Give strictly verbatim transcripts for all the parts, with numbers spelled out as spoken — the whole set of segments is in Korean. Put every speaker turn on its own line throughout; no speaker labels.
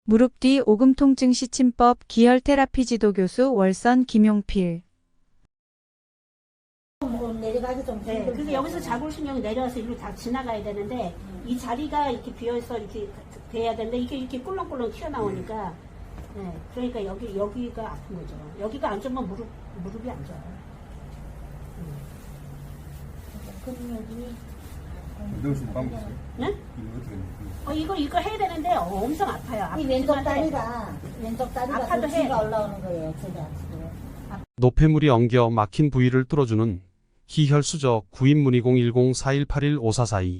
무릎 뒤 오금 통증 시침법 기혈 테라피 지도 교수 월선 김용필.
내려가기 좀
네,
힘들죠.
그래서 여기서 자골신경이 내려와서 이리로 다 지나가야 되는데 이 자리가 이렇게 비어서 이렇게 돼야 되는데 이게 이렇게 꿀렁꿀렁 튀어나오니까 네, 그러니까 여기 여기가 아픈 거죠. 여기가 안 좋으면 무릎 무릎이 안 좋아요.
그럼 여기
넣을 수 있는 방법 있어요?
네?
이거 어떻게 해요?
어 이거 이거 해야 되는데 엄청 아파요.
이 왼쪽
아프지만 해.
다리가 왼쪽 다리가
아파도
더
해.
쥐가 올라오는 거예요. 제가 지금.
노폐물이 엉겨 막힌 부위를 뚫어주는 기혈수저 구인문의 공일공 사일팔일 오사사이.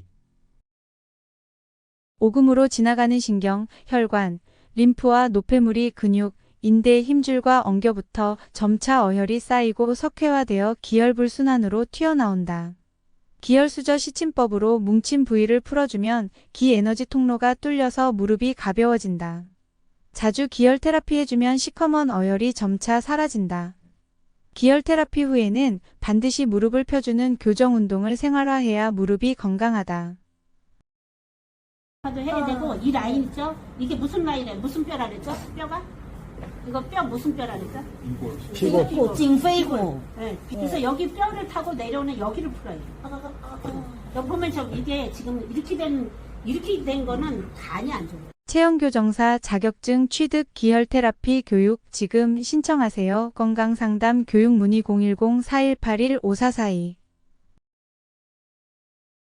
오금으로 지나가는 신경, 혈관, 림프와 노폐물이 근육, 인대 힘줄과 엉겨붙어 점차 어혈이 쌓이고 석회화되어 기혈불순환으로 튀어나온다. 기혈수저 시침법으로 뭉친 부위를 풀어주면 기에너지 통로가 뚫려서 무릎이 가벼워진다. 자주 기혈 테라피 해주면 시커먼 어혈이 점차 사라진다. 기혈 테라피 후에는 반드시 무릎을 펴주는 교정 운동을 생활화해야 무릎이 건강하다.
도 해야 되고 이 라인 있죠? 이게 무슨 라인이에요? 무슨 뼈라 그랬죠? 뼈가? 이거 뼈 무슨 뼈라 그랬죠?
이거
피고, 피고, 징페이고.
네. 그래서 여기 뼈를 타고 내려오는 여기를 풀어요. 여기 보면 저 이게 지금 이렇게 된 이렇게 된 거는 간이 안 좋아요.
체형교정사 자격증 취득 기혈 테라피 교육 지금 신청하세요. 건강상담 교육 문의 공일공 사일팔일 오사사이.